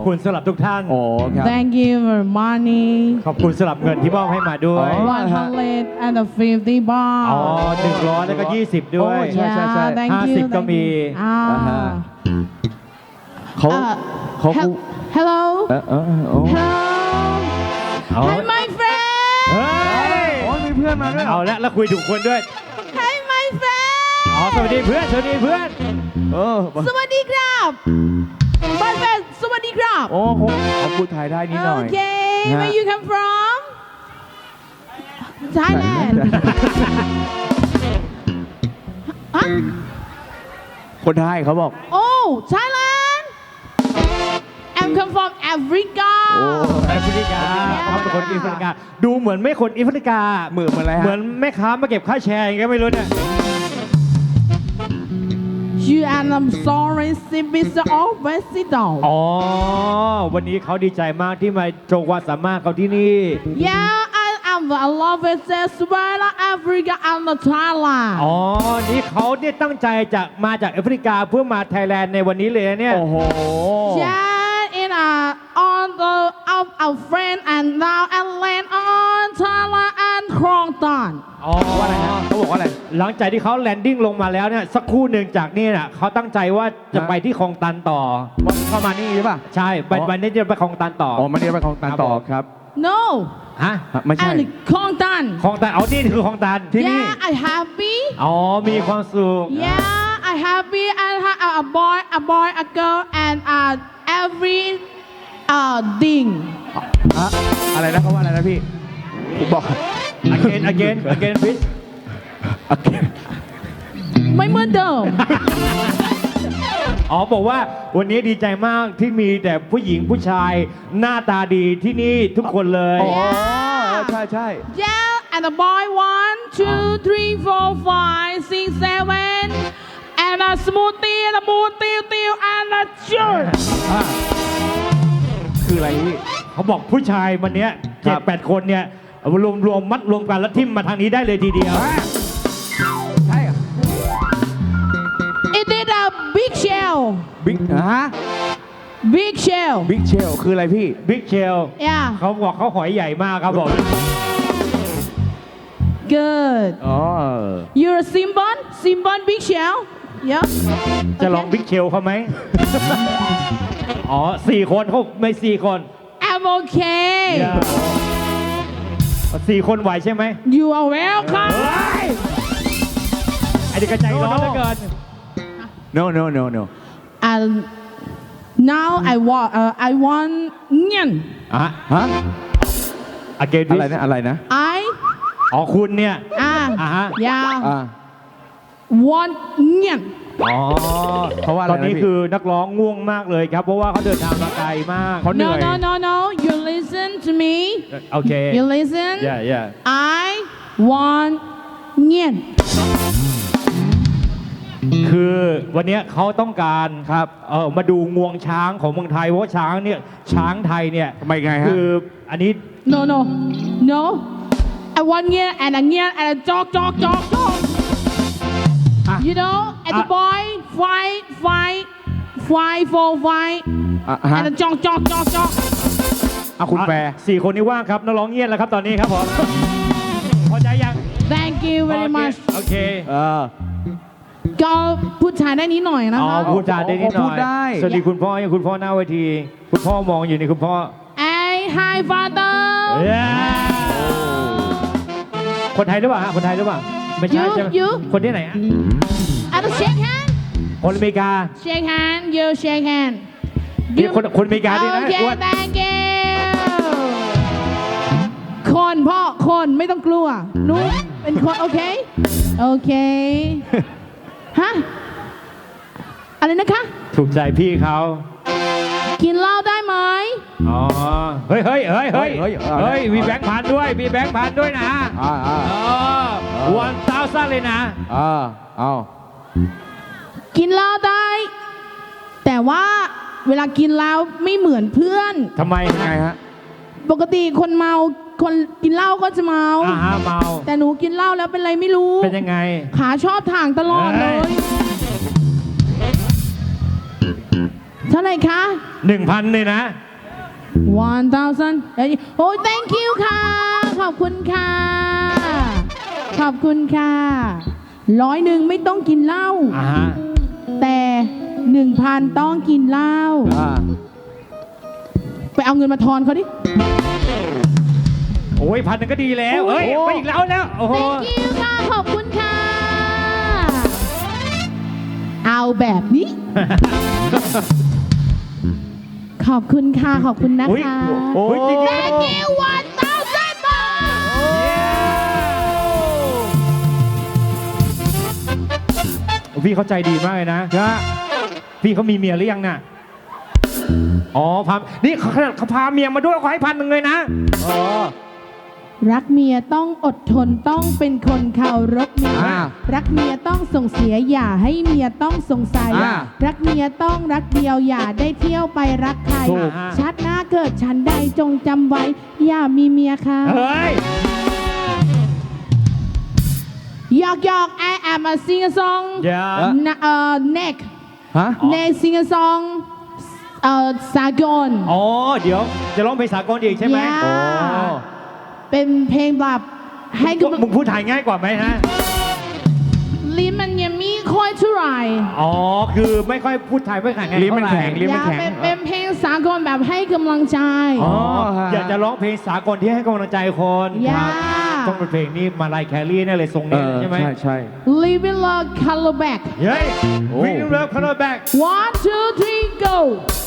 คุณสำหรับทุกท่านโอ้ครับ Thank you for money. ขอบคุณสำหรับเงินที่มอบให้มาด้วย 150 baht. อ๋อ100แล้วก็20ด้วยใช่ใช่ใช่ Yeah, thank you. 50ก็มีเขา เขา Hello. โอ้ Hello. Hi, my friend. เฮ้ยโอ้มีเพื่อนมาด้วยเอาละแล้วคุยถูกคนด้วย Hi, my friend. อ๋อสวัสดีเพื่อนสวัสดีเพื่อนสวัสดีครับ My friend สวัสดีครับโอ้เขาพูดไทยได้นิดหน่อย Okay. ฮะ Where you come from? Thailand. ฮะคนไทยเขาบอก Oh, Thailand. I'm come from Africa. แอฟริกาเขาเป็นคนแอฟริกา ดูเหมือนไม่คนแอฟริกาเหมือนอะไรฮะเหมือนแม่ค้ามาเก็บค่าแชร์อย่างเงี้ยไม่รู้เนี่ย You and I'm sorry, Sibis always sit down. อ๋อ วันนี้เขาดีใจมากที่มาโชว์ความสามารถเขาที่นี่ Yeah, I love it. Says well, Africa and the Thailand. อ๋อ นี่เขาเนี่ยตั้งใจจะมาจากแอฟริกาเพื่อมาไทยแลนด์ในวันนี้เลยนะเนี่ยโอ้โห Yeah, in on the of our friend and now and land on Thailand and Krong Tan. อ๋อว่าอะไรฮะเขาบอกว่าอะไรหลังจากที่เขาแลนดิ้งลงมาแล้วเนี่ยสักครู่หนึ่งจากนี่น่ะเขาตั้งใจว่าจะไปที่คลองตันต่อเข้ามานี่ใช่ป่ะใช่วันนี้จะไปคลองตันต่ออ๋อมาเรียนไปของตันต่อครับ No, ฮะไม่ใช่ and Krong Tan. คลองตันเอานี่คือคลองตันที่นี่ Yeah, I happy. อ๋อ มีความสุข Yeah, I happy and have a boy, a girl, and every thing. อะไรนะเขาว่าอะไรนะพี่ผมบอก again please โอเคไม่เหมือนเดิมอ๋อบอกว่าวันนี้ดีใจมากที่มีแต่ผู้หญิงผู้ชายหน้าตาดีที่นี่ทุกคนเลยอ๋อใช่ใช่ Yeah, and the boy 1, 2, 3, 4, 5, 6, 7, and a smoothie, and a moon, and a shirt. คืออะไรพี่เขาบอกผู้ชายวันเนี้ยครัเจ็ดบแปดคนเนี่ยรวมมัดรวมกันแล้วทิ่มมาทางนี้ได้เลยทีเดียวใช่อะ It is a big shell. บิ๊กฮะ Big shell. บิ๊กเชลคืออะไรพี่บิ๊กเชล Yeah. เขาบอกเขาหอยใหญ่มากครับผม Good. อ๋อ You're a Simban? Simban big shell? Yeah. จะลอง Okay. บิ๊กเชลเขาไหม อ๋อ4 คนเขาไม่4 คน I'm okay. 4 คนไหวใช่ไหม You are welcome. ไอ้เด็กกระใจร้อนเหลือเกิน no no no no And now I want nyan. อ่ะฮะ again อะไรนะอะไรนะ I อ๋อคุณเนี่ย อ่าฮะ yeah อ่า want nyan. อ๋อเพราะว่าอะไรตอนนี้นะพี่คือนักร้องง่วงมากเลยครับ เพราะว่าเขาเดินทางมาไกลมากเขาเหนื่ No อย no no no. You listen to me. โอเค You listen. yeah I want nyan. คือวันเนี้ยเขาต้องการครับมาดูงวงช้างของเมืองไทยเพราะว่าช้างเนี่ยช้างไทยเนี่ยทำไมไงฮะคืออันนี้ No no no. I want nyan and a nyan and a jog. You know, and the boy fight for fight อ่ะฮะ and a jog. อ่ะคุณแปร 4 คนนี้ว่างครับนักร้องเงียบแล้วครับตอนนี้ครับผม พอใจยัง Thank you very much. โอเคก็พูดชายได้นิดหน่อยนะอ๋อคะพูดจาได้นิดหน่พูอดยได้สวัสดีคุณพ่อยังคุณพ่อหน้าเวที คุณพ่อมองอยู่นี่คุณพ่อ Hi father. คนไทยหรือเปล่าฮะคนไทยหรือเปล่าไม่ใช่ใช่ไหม You คนที่ไหนฮะ And shake hand. คนอเมริกา Shake hand. You shake hand. นี่คนอเมริกาด้วยนะ Okay, อ้วน thank you. คนพ่อคนไม่ต้องกลัวหนูเป็นคนโอเคโอเคฮะอะไรนะคะถูกใจพี่เขากินเหล้าได้ไหมอ๋อ เฮ้ย มีแบงค์พันด้วยมีแบงค์พันด้วยนะอ่า 1,000เลยนะเอากินเหล้าได้ แต่ว่าเวลากินเหล้าไม่เหมือนเพื่อนทำไมไงฮะปกติคนเมาคนกินเหล้าก็จะเมาเมาแต่หนูกินเหล้าแล้วเป็นไรไม่รู้เป็นยังไงขาชอบถ่างตลอดเลยเฮ้ยท่าไหร่คะ 1,000เลยนะ 1,000 โอ้ย thank you ค่ะ ขอบคุณค่ะ ขอบคุณค่ะ100ไม่ต้องกินเหล้าอ่าฮะแต่ 1,000 ต้องกินเหล้าอ่าไปเอาเงินมาทอนเขาดิโอ้ย1,000ก็ดีแล้วเฮ้ยไปอีกแล้วโอ้โห thank you ค่ะ ขอบคุณค่ะ เอาแบบนี้ ขอบคุณค่ะ ขอบคุณนะอุ๊ยคะโอ้ยจริงๆ thank you 1,000 บาทพี่เขาใจดีมากเลยนะ พี่เขามีเมียหรือยังน่ะ อ๋อพานี่เขาพาเมียมาด้วยขอให้1,000เลยนะอ๋อรักเมียต้องอดทนต้องเป็นคนเคารพเมียอ่ารักเมียต้องส่งเสียอย่าให้เมียต้องสงสัยอ่ารักเมียต้องรักเดียวอย่าได้เที่ยวไปรักใครถูกชาติหน้าเกิดฉันใดจงจำไว้ อย่ามีเมียค่ะเฮ้ยหยอกหยอก I am a singer song อย่า neck ฮะ neck singer song สากลอ๋อ เดี๋ยวจะร้องเพลงสากลอีกใช่ไหม Yeah โอ้เป็นเพลงแบบให้กับมึงพูดไทยง่ายกว่าไหมฮะลิ้นมันยังไม่ค่อยเท่าไหร่อ๋อ คือไม่ค่อยพูดไทยไม่แข็งลิ้นมันแข็ง ลิ้นอมันยากแข็งเป็นเพลงสากลแบบให้กำลังใจอ๋อฮะอยากจะร้องเพลงสากลที่ให้กำลังใจคนอย่าต้องเป็นเพลงนี้มาลายแครี่แน่เลยทรงเอนี้อใช่ไหมใช่ Living Love Color Back เฮ้ยโอ้วิ่งเร็วคาร์แบ็ก 1 2 3 go